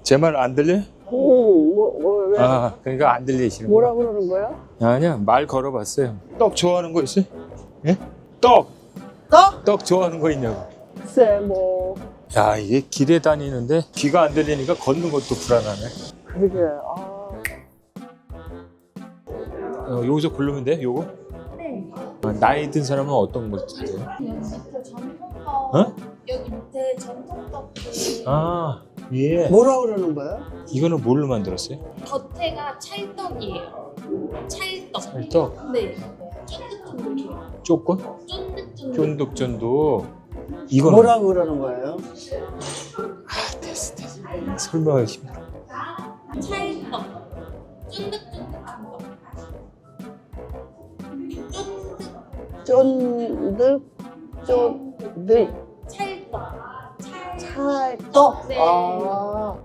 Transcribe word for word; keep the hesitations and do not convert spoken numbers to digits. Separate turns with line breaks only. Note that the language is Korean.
제 말 안 들려?
오, 뭐, 뭐, 왜?
아, 그러니까 안 들리시는
뭐라
거야.
그러는 거야?
아니야, 말 걸어봤어요. 떡 좋아하는 거 있어요? 예? 떡!
떡?
떡 좋아하는 거 있냐고.
글쎄, 뭐.
야, 이게 길에 다니는데 귀가 안 들리니까 걷는 것도 불안하네.
그러게, 아.
어, 여기서 고르면 돼? 요거?
네.
아, 나이 든 사람은 어떤 거 찾아요?
여기 밑에 전통떡.
어?
여기 밑에 전통떡이
아, 예.
뭐라 그러는 거야?
이거는 뭘로 만들었어요?
겉에가 찰떡이에요. 찰떡.
찰떡?
네. 쫀득쫀득해요.
쪼건?
쫀득쫀득.
쫀득쫀득. 이거는
뭐라 그러는 거예요?
아, 됐어, 됐어. 설명하기 힘들어.
찰떡. 쫀득쫀득한 거. 쫀득.
쫀득, 쫀득,
찰떡. 찰.
찰떡.
네.
아.